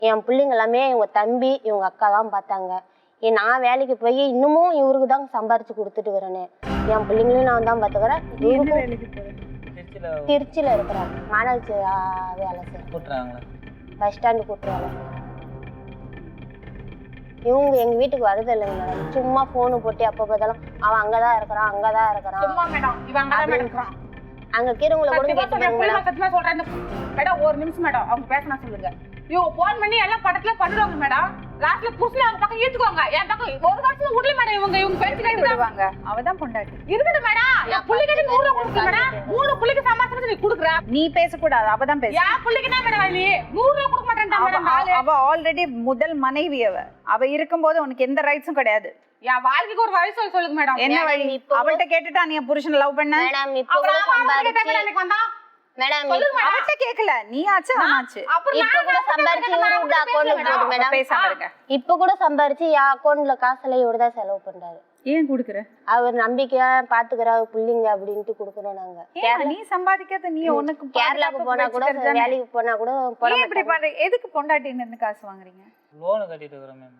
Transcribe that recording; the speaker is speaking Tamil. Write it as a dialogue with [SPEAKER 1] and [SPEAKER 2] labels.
[SPEAKER 1] என் பிள்ளைங்க எல்லாமே இவங்க தம்பி இவங்க அக்கா தான் பார்த்தாங்க. நான் வேலைக்கு போய் இன்னமும் இவருக்கு தான் சம்பாரிச்சு கொடுத்துட்டு வரேன்னு. என் பிள்ளைங்களையும் நான் தான் பார்த்துக்கிறேன். திருச்சியில இருக்கிறேன். மாநகராட்சி வேலை செய்யறாங்க. பஸ் ஸ்டாண்டு கூட்டு வேலை செய்யறாங்க. இவங்க எங்க வீட்டுக்கு வருது இல்லைங்க மேடம். சும்மா போனு போட்டு அப்ப பார்த்தாலும் அவன் அங்கதான் இருக்கிறான் அங்கதான் இருக்கிறான். அங்க கீரங்களை கூட
[SPEAKER 2] சொல்றேன் மேடம். ஒரு நிமிஷம் மேடம் அவங்க பேசணும் சொல்லுங்க. இவங்க போன் பண்ணி எல்லாம் படத்துல பண்ணுவாங்க மேடம். லாஸ்ட்ல புருஷன் அவங்க பக்கம் ஈத்துக்குவாங்க. என் பக்கம் ஒரு வருஷம் விடல மேடம். இவங்க பேச்சு கேட்டு விடுவாங்க. அவதான் பொண்டாட்டி இருக்குது மேடம். என் புள்ளிக்கு 100 ரூபா கொடுக்க மேடம். 3 புள்ளிக்கு சமாசம் நீ குடுக்குற. நீ பேசக்கூடாது. அவதான் பேச. என் புள்ளிக்கு என்ன மேடம் நீ 100 ரூபா கொடுக்க மாட்டேன்டா மேடம். அவ ஆல்ரெடி முதல் மனைவி. அவ இருக்கும்போது உனக்கு எந்த ரைட்ஸும் கிடையாது. என் வாழ்க்கைக்கு ஒரு வழி சொல்லுங்க மேடம். என்ன வழி? அவள்கிட்ட கேட்டுட்டா நீ புருஷன் லவ் பண்ண
[SPEAKER 1] மேடம். இப்ப கூட சம்பாரிச்சு மேடம்
[SPEAKER 2] அவட்ட கேக்கல. நீ ஆச்சு ஆனாச்சு.
[SPEAKER 1] இப்ப கூட சம்பாரிச்சு இவரோட அக்கவுண்ட்ல போடு மேடம்.
[SPEAKER 2] பேசாம இருக்க.
[SPEAKER 1] இப்ப கூட சம்பாரிச்சு என் அக்கவுண்ட்ல காசுல இவர்தா செலவு பண்றாரு.
[SPEAKER 2] ஏன் குடுக்குற?
[SPEAKER 1] அவர் நம்பிக்கையா பாத்துக்கறாரு புள்ளிங்க அப்படின்ட்டு குடுக்குறோம் நாங்க.
[SPEAKER 2] நீ சம்பாதிக்காத நீ உனக்கு
[SPEAKER 1] கேரளாக்கு போனா கூட வேலைக்கு போனா கூட
[SPEAKER 2] இப்படி பண்ற எதுக்கு பொண்டாட்டின்னு இருந்து காசு வாங்குறீங்க?
[SPEAKER 3] லோன் கட்டிட்டு இருக்கறேன் மேம்.